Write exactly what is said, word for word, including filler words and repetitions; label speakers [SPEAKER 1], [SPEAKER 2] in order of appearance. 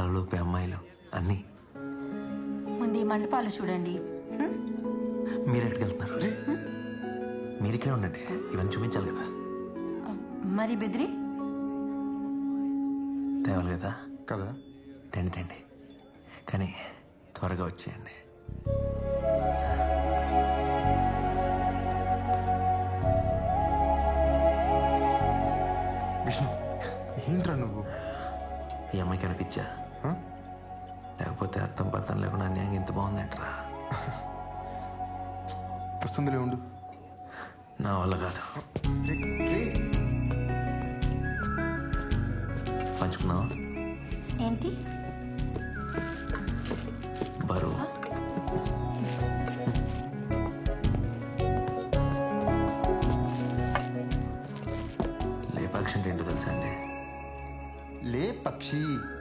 [SPEAKER 1] కలలోపే అమ్మాయిలు అన్నీ.
[SPEAKER 2] ముందు ఈ మండపాలు చూడండి. హ్మ్?
[SPEAKER 1] మీరు ఎక్కడికి వెళ్తున్నారు? మీరు ఇక్కడే ఉండండి, ఇవన్నీ చూపించాలి కదా.
[SPEAKER 2] మరి బెదిరి
[SPEAKER 1] తేవాలి కదా.
[SPEAKER 3] కదా
[SPEAKER 1] తిండి తిండి కానీ త్వరగా వచ్చేయండి.
[SPEAKER 3] విష్ణు, ఏంట్రా నువ్వు?
[SPEAKER 1] ఈ అమ్మాయికి అనిపించా?
[SPEAKER 3] హ?
[SPEAKER 1] లేకపోతే అర్థం పర్థం లేకుండా అన్యాయం ఇంత బాగుందంటరా.
[SPEAKER 3] వస్తుందిలే ఉండు.
[SPEAKER 1] నా వల్ల కాదు.
[SPEAKER 3] రే, రే.
[SPEAKER 1] పంచుకున్నావా?
[SPEAKER 2] ఏంటి
[SPEAKER 1] బరువు. లేపాక్షి అంటే ఏంటో తెలుసా అండి?
[SPEAKER 3] లే పక్షి.